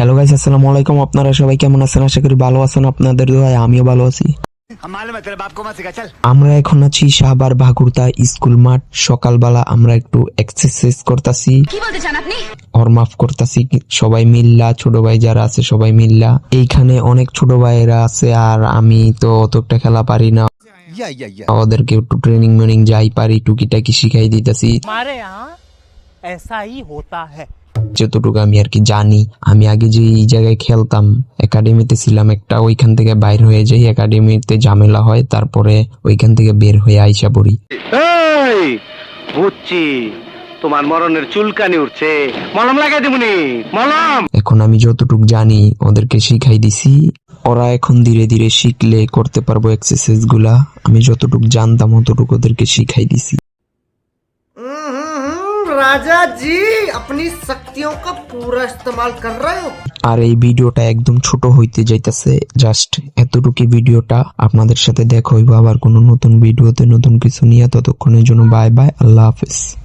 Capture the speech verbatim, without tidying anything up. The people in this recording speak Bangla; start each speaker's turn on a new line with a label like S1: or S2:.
S1: হ্যালো গাইস, আসসালামু আলাইকুম। আপনারা সবাই কেমন আছেন? আশা করি ভালো আছেন। আপনাদের দোয়ায় আমিও ভালো আছি। আমরা এখন আছি সাভার ভাগুরতা স্কুল মাঠ। সকালবেলা আমরা একটু এক্সারসাইজ করতেছি,
S2: কি বলতে চান আপনি?
S1: ওয়ার্ম করতেছি সবাই মিল্লা, ছোট ভাই যারা আছে সবাই মিল্লা। এইখানে অনেক ছোট ভাইয়েরা আছে, আর আমি তো অতটা খেলা পারি না, ওদেরকে একটু ট্রেনিং মেনিং যাই পারি টুকিটাকি শিখাই দিতেছি যতটুকু আমি আর কি জানি। আমি আগে যে এই জায়গায় খেলতাম, একাডেমিতে ছিলাম একটা, ওইখান থেকে বাইর হয়ে যাই, একাডেমিতে ঝামেলা হয়, তারপরে ওইখান থেকে বের হয়ে আইসা পড়ি।
S3: বুঝছি, তোমার মরণের চুলকানি উঠছে, মলম লাগাই দিবনি মলম।
S1: এখন আমি যতটুকু জানি ওদেরকে শিখাই দিছি, ওরা এখন ধীরে ধীরে শিখলে করতে পারবো এক্সারসাইজ গুলা। আমি যতটুকু জানতাম অতটুকু ওদেরকে শিখাই দিছি।
S4: राजा जी अपनी शक्तियों का पूरा इस्तेमाल कर रहे हो।
S1: আর এই ভিডিওটা একদম ছোট হইতে যাইতেছে, জাস্ট এতটুকু ভিডিওটা। আপনাদের সাথে দেখা হইব আবার কোনো নতুন ভিডিওতে নতুন কিছু নিয়ে। ততক্ষণের জন্য বাই বাই, আল্লাহ হাফেজ।